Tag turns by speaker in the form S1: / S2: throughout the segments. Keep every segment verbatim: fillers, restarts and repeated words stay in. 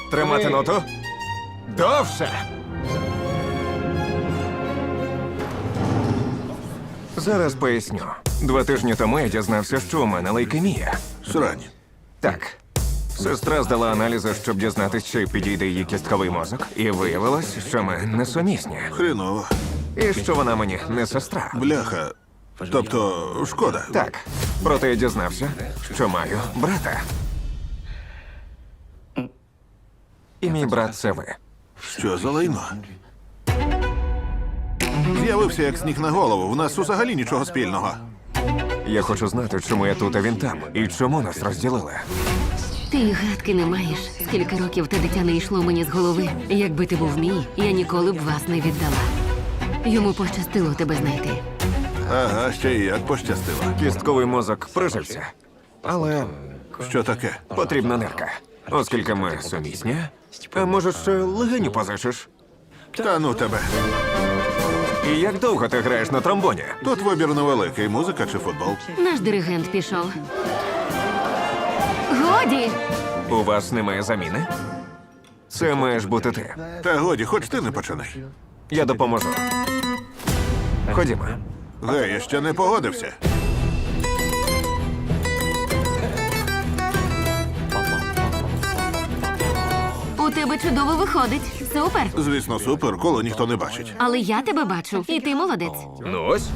S1: Тримати ноту. Довше. Зараз поясню. Два тижні тому я дізнався, що у мене лейкемія.
S2: Срань.
S1: Так. Сестра здала аналізи, щоб дізнатися, чи підійде її кістковий мозок. І виявилось, що ми несумісні.
S2: Хреново.
S1: І що вона мені не сестра.
S2: Бляха. Тобто, шкода.
S1: Так. Проте я дізнався, що маю брата. І мій брат це ви.
S2: Що за лайно? З'явився як сніг на голову. В нас взагалі нічого спільного.
S1: Я хочу знати, чому я тут, а він там. І чому нас розділили.
S3: Ти й гадки не маєш. Скільки років те дитя не йшло мені з голови. Якби ти був мій, я ніколи б вас не віддала. Йому пощастило тебе знайти.
S2: Ага, ще й як пощастило.
S1: Кістковий мозок прижився. Але
S2: Що таке?
S1: потрібна нирка. Оскільки ми сумісні. А може, ще легеню позичиш?
S2: Та ну тебе.
S1: І як довго ти граєш на тромбоні?
S2: Тут вибір невеликий. Музика чи футбол?
S3: Наш диригент пішов. Годі!
S1: У вас немає заміни? Це маєш бути ти.
S2: Та годі, хоч ти не починай.
S1: Я допоможу. Ходімо.
S2: Гей, я ще не погодився.
S3: У тебе чудово виходить. Супер.
S2: Звісно, супер, коло ніхто не бачить.
S3: Але я тебе бачу. І ти молодець.
S1: Ну ось.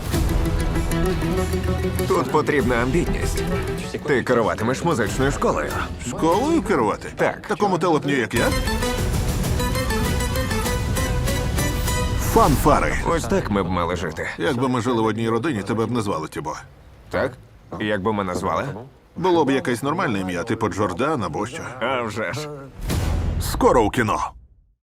S1: Тут потрібна амбітність. Ти керуватимеш музичною школою.
S2: Школою керувати?
S1: Так.
S2: Такому телепню, як я? Фанфари.
S1: Ось так ми б мали жити.
S2: Якби ми жили в одній родині, тебе б не звали Тібо.
S1: Так? Як би мене звали?
S2: Було б якесь нормальне ім'я, типу Джордан або що.
S1: А вже ж.
S2: Скоро у кіно.